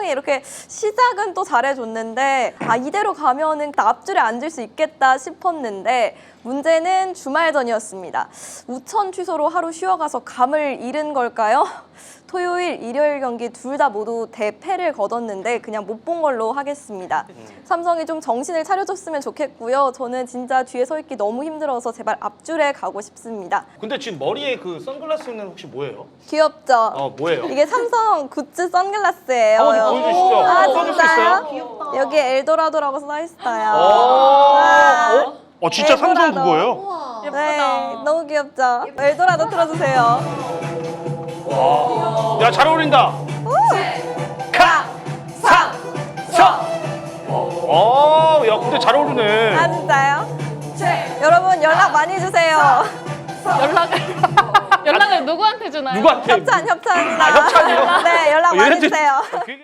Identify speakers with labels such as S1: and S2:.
S1: 삼성이 이렇게 시작은 또 잘해줬는데 아 이대로 가면은 앞줄에 앉을 수 있겠다 싶었는데 문제는 주말 전이었습니다. 우천 취소로 하루 쉬어가서 감을 잃은 걸까요? 토요일, 일요일 경기 둘 다 모두 대패를 거뒀는데 그냥 못 본 걸로 하겠습니다. 삼성이 좀 정신을 차려줬으면 좋겠고요. 저는 진짜 뒤에 서 있기 너무 힘들어서 제발 앞줄에 가고 싶습니다.
S2: 근데 지금 머리에 그 선글라스는 혹시 뭐예요?
S1: 귀엽죠?
S2: 뭐예요?
S1: 이게 삼성 굿즈 선글라스예요.
S2: 한번 보여주시죠.
S1: 아,
S2: 써줄 수
S1: 진짜요?
S2: 있어요?
S3: 귀엽다.
S1: 여기 엘도라도라고 써 있어요.
S2: 어? 진짜
S1: 엘도라도.
S2: 삼성 그거예요?
S3: 우와.
S1: 네, 너무 귀엽죠? 엘도라도 틀어주세요.
S2: 야, 잘 어울린다.
S1: 가! 사! 서!
S2: 야, 근데 잘 어울리네.
S1: 아, 진짜요? 여러분 연락 많이 주세요.
S3: 연락을 누구한테 주나요?
S2: 누구한테?
S1: 협찬입니다.
S2: 협찬이요?
S1: 네, 연락 많이
S2: 얘네들
S1: 주세요.
S2: 되게-